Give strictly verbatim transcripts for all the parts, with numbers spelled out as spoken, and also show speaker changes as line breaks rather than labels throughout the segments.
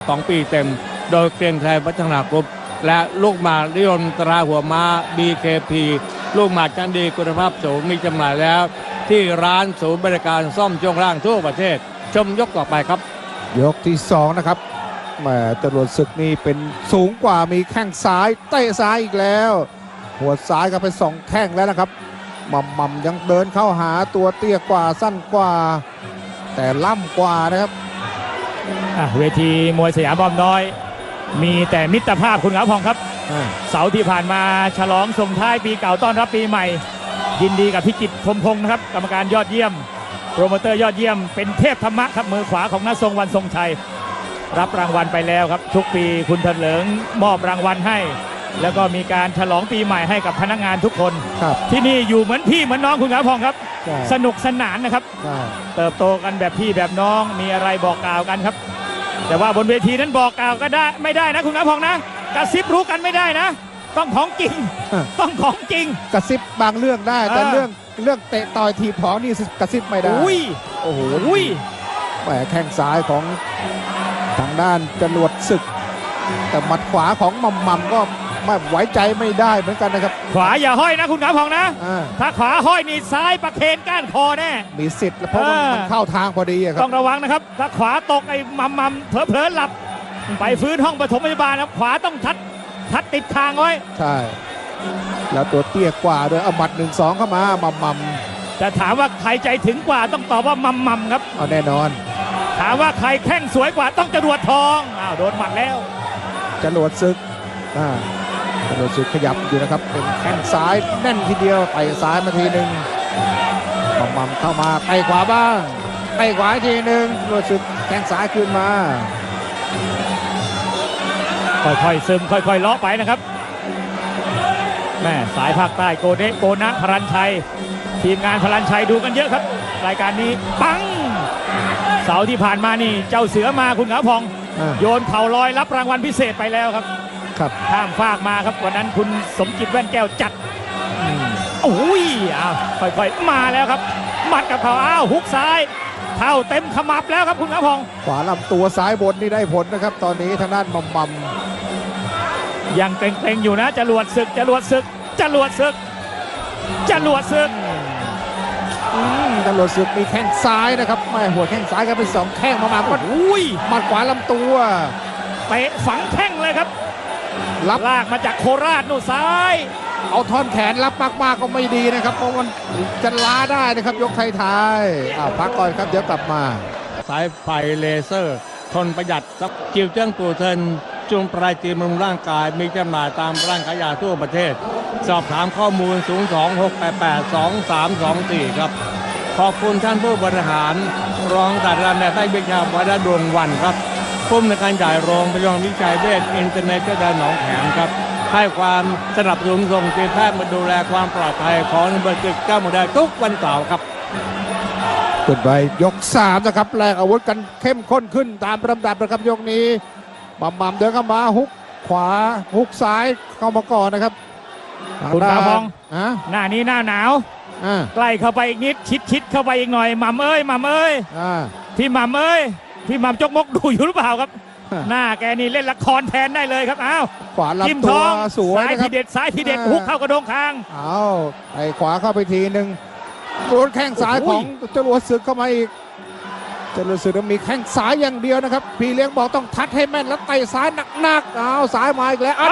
สองปีเต็มโดยเกรียงไกรพัฒนากรุ๊ปและลูกหมากนิยมตราหัวม้า บี เค พี ลูกหมากชั้นดีคุณภาพสูงมีจำหน่ายแล้วที่ร้านศูนย์บริการซ่อมช่วงล่างทั่วประเทศชมยกต่อไปครับ
ยกที่สองนะครับแหมจรวดศึกนี่เป็นสูงกว่ามีแข้งซ้ายเตะซ้ายอีกแล้วหัวซ้ายก็เป็นสองแข้งแล้วนะครับมัมมัมยังเดินเข้าหาตัวเตี้ยกว่าสั้นกว่าแต่ล่ำกว่านะครับ
เวทีมวยสยามบอมน้อยมีแต่มิตรภาพคุณขาวพองครับเสาร์ที่ผ่านมาฉลองส่งท้ายปีเก่าต้อนรับปีใหม่ยินดีกับพิจิตรพรหมพงศ์นะครับกรรมการยอดเยี่ยมโปรโมเตอร์ยอดเยี่ยมเป็นเทพธรรมะครับมือขวาของน้าทรงวันทรงชัยรับรางวัลไปแล้วครับทุกปีคุณเถลิงมอบรางวัลให้แล้วก็มีการฉลองปีใหม่ให้กับพนักงานทุกคนที่นี่อยู่เหมือนพี่เหมือนน้องคุณขาวพองครับสนุกสนานนะครับเติบโตกันแบบพี่แบบน้องมีอะไรบอกกล่าวกันครับแต่ว่าบนเวทีนั้นบอกกล่าวก็ได้ไม่ได้นะคุณขาวพองนะกระซิบรู้กันไม่ได้นะต้องของจริงต้องของจริง
กระซิบบางเรื่องได้แต่เรื่องเรื่องเตะต่อยทีบของนี่กระซิบไม่ได้
อุ้ย
โอ้โห
อุ้ย
แหมแข้งซ้ายของทางด้านจรวดศึกแต่หมัดขวาของมัมมัมก็ไม่ไว้ใจไม่ได้เหมือนกันนะครับ
ขวาอย่าห้อยนะคุณขาวพองนะถ้าขวาห้อยนี่ซ้ายประเคนก้านคอแน่
มีสิทธิ์เพราะมันเข้าทางพอดีครับ
ต้องระวังนะครับถ้าขวาตกไอ้มัมมัมเผลอๆหลับไปฟื้นห้องปฐมพยาบาลครับขวาต้องทัดทัดติดคางไว้
ใช่แล้วตัวเตี้ยกว่าด้วยเอาหมัดหนึ่งสองเข้ามามัมมัม
จะถามว่าใครใจถึงกว่าต้องตอบว่ามัมมัมครับ
เอาแน่นอน
ถามว่าใครแข้งสวยกว่าต้องจรวดทองอ้าวโดนหมัดแล้ว
จรวดศึกอ่าจรวดศึกขยับอยู่นะครับเป็นแข้งซ้ายแน่นทีเดียวไปซ้ายมาทีหนึ่งมัมมัมเข้ามาไปขวาบ้างไปขวาทีหนึ่งจรวดศึกแข้งซ้ายขึ้นมา
ค่อยๆซึมค่อยๆเลาะไปนะครับแม่สายภาคใต้โกเดโกนะพลันชัยทีมงานพลันชัยดูกันเยอะครับรายการนี้ปังเสาร์ที่ผ่านมานี่เจ้าเสือมาคุณขาวพองโยนเข่าลอยรับรางวัลพิเศษไปแล้วครับ
ครับ
ข้ามฟากมาครับวันนั้นคุณสมจิตแว่นแก้วจัดโอ้ยอ้าวค่อยๆมาแล้วครับหมัดกับเขาอ้าวฮุกซ้ายเท้าเต็มขมับแล้วครับคุณขาวพอง
ขวาลำตัวซ้ายบนนี่ได้ผลนะครับตอนนี้ทางด้านมัมมัม
ยังเกรงๆอยู่นะจรวดศึกจรวดศึกจรวดศึกจรวดศึก
จรวดศึกมีแข้งซ้ายนะครับไม่หัวแข้งซ้ายก็เป็นสองแข้งมามาก็
อุ้ย
หมัดขวาลำตัว
เตะฝังแข้งเลยครับรับลากมาจากโคราชนู่นซ้าย
เอาท่อนแขนรับมากๆก็ไม่ดีนะครับเพราะมันจะล้าได้นะครับยกท้ายๆอ้าวพักก่อนครับเดี๋ยวกลับมา
สายไฟเลเซอร์ทนประหยัดกับจิวเจิ้งตู่เทินจุงปลายจีบำรุงร่างกายมีจำหน่ายตามร้านขายยาทั่วประเทศสอบถามข้อมูลศูนย์ สอง หก แปด แปด สอง สาม สอง สี่ครับขอบคุณท่านผู้บริหารรองศาสตราจารย์นายแพทย์วิชาวัฒน์ดวงวันครับผู้อำนวยการใหญ่โรงพยาบาลวิชัยเวชอินเตอร์เน็ตได้หนองแขมครับให้ความสนับสนุนส่งทีมแพทย์มาดูแลความปลอดภัยของนักบริจาคเจ้าหมดได้ทุกวันเสาร์ครับ
ขึ้นไปยกสามนะครับแลกอาวุธกันเข้มข้นขึ้นตามลำดับนะครับยกนี้มัมมัมเดินเข้ามาฮุกขวาฮุกซ้ายเข้ามาก่อนนะครับ
คุณขาวพองหน้านี้หน้าหนาวใกล้เข้าไปอีกนิดชิดชิดเข้าไปอีกหน่อยมัมเอ้ยมัมเอ้ยพี่มัมเอ้ยพี่มัมจกมกดูอยู่หรือเปล่าครับหน้าแกนี่เล่นละครแทนได้เลยครับอ้าว
ขวาลำตัวสวย
ซ้ายทีเด็ดซ้ายทีเด็ดฮุกเข้ากระโดงคาง
อ้าวไอ้ขวาเข้าไปทีหนึ่งโดนแข้งซ้ายของจรวดศึกเข้ามาอีกจรวดศึกมีแข้งซ้ายอย่างเดียวนะครับพี่เลี้ยงบอกต้องทัดให้แม่นแล้วเตะซ้ายหนักๆอ้าวซ้ายมาอีกแล้ว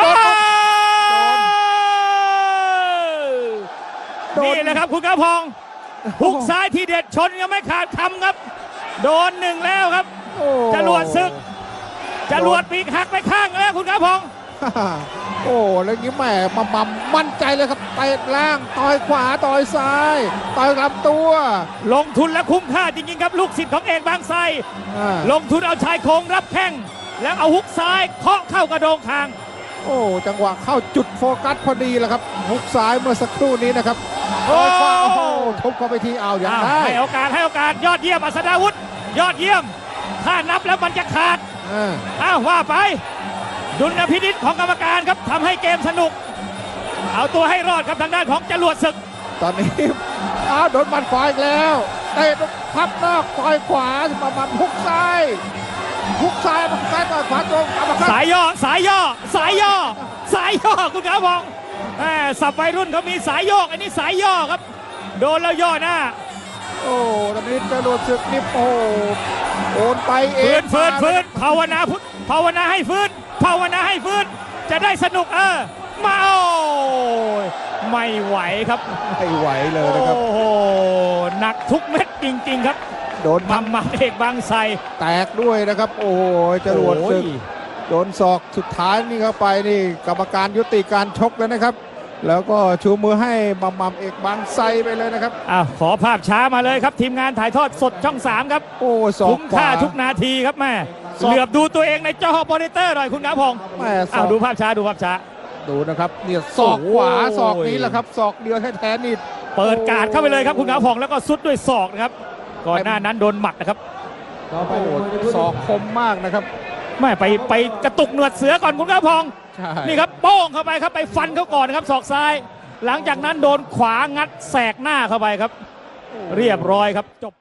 นี่แหละครับคุณขาวพองฮุกซ้ายทีเด็ดชนยังไม่ขาดคำครับโดนหนึ่งแล้วครับจรวดศึกจรวดปีกหักไปข้างแล้วคุณขาวพอง
โอ้แล้วงี้แหมมัมมัมมั่นใจเลยครับเตะล่างต่อยขวาต่อยซ้ายต่อยลำตัว
ลงทุนและคุ้มค่าจริงๆครับลูกศิษย์ของเอกบางไทรลงทุนเอาชายโครงรับแข้งแล้วเอาฮุกซ้ายเคาะเข้ากระโดงคาง
โอ้จังหวะเข้าจุดโฟกัสพอดีแหละครับฮุกซ้ายเมื่อสักครู่นี้นะครับต่อยขวาโอ้โหทุบเข้าไปทีเอาอย่างได้
ให้โอกาสให้โอกาสยอดเยี่ยมอัศดาวุฒิยอดเยี่ยมถ้านับแล้วมันจะขาดอ้าวว่าไปดุลพินิจของกรรมการครับทำให้เกมสนุกเอาตัวให้รอดครับทางด้านของจรวดศึก
ตอนนี้อ้าวโดนหมัดขวาอีกแล้วเตะพับนอกต่อยขวาประมาณฮุกซ้ายหุกซ้ายมันซ้ายต่อยขวาตรงอัปเปอร์คัต
สายย่อสายย่อสายย่อสายย่อคุณขาพองแหม่สับวัยรุ่นเขามีสายโยกอันนี้สายย่อครับ โดนแล้วย่อหน้า
โอ้ตอนนี้จรวดศึกนี่โอ้โอนไปเอ
ฟื้
ง
นฟื้นฟื้นภาวนาพุทธภาวนาให้ฟื้นภาวนาให้ฟื้นจะได้สนุกเออมาโอ้ยไม่ไหวครับ
ไม่ไหวเลยนะครับ
โอ้โหหนักทุกเม็ดจริงๆครับ
โดน
มัมมัมเอกบางไทร
แตกด้วยนะครับ โอ้โหจรวดศึก
โอ้ย
โดนศอกสุดท้ายนี่เข้าไปนี่กรรมการยุติการชกแล้วนะครับ แล้วก็ชูมือให้มัมมัมเอกบางไทรไปเลยนะครับ
อ้าวขอภาพช้ามาเลยครับ ทีมงานถ่ายทอดสดช่องสามครับ
โอ้ศอก
คุ้ม
ขวา
ค่าทุกนาทีครับแม่
ศอก
เหลือบดูตัวเองในจอมอนิเตอร์หน่อยคุณขาพอง
แม่ศ
อ้า
อ
ว
ก
ดูภาพช้าดูภาพช้า
ดูนะครับเนี่ยศอกขวา
โอ้ย
ศอกนี้แหละครับศอกเดียวแท้ๆนี่
เปิดการ์ดเข้าไปเลยครับคุณขาพองแล้วก็ซุดด้วยศอกนะครับก่อนหน้านั้นโดนหมัดนะครับ
โอ้โหศอกคมมากนะครับ
แม่ไปไปกระตุกหนวดเสือก่อนคุณขาพอง
ใช่
นี่ครับโป้งเข้าไปครับไปฟันเขาก่อนนะครับศอกซ้าย หลังจากนั้นโดนขวางัดแสกหน้าเข้าไปครับ เรียบร้อยครับจบ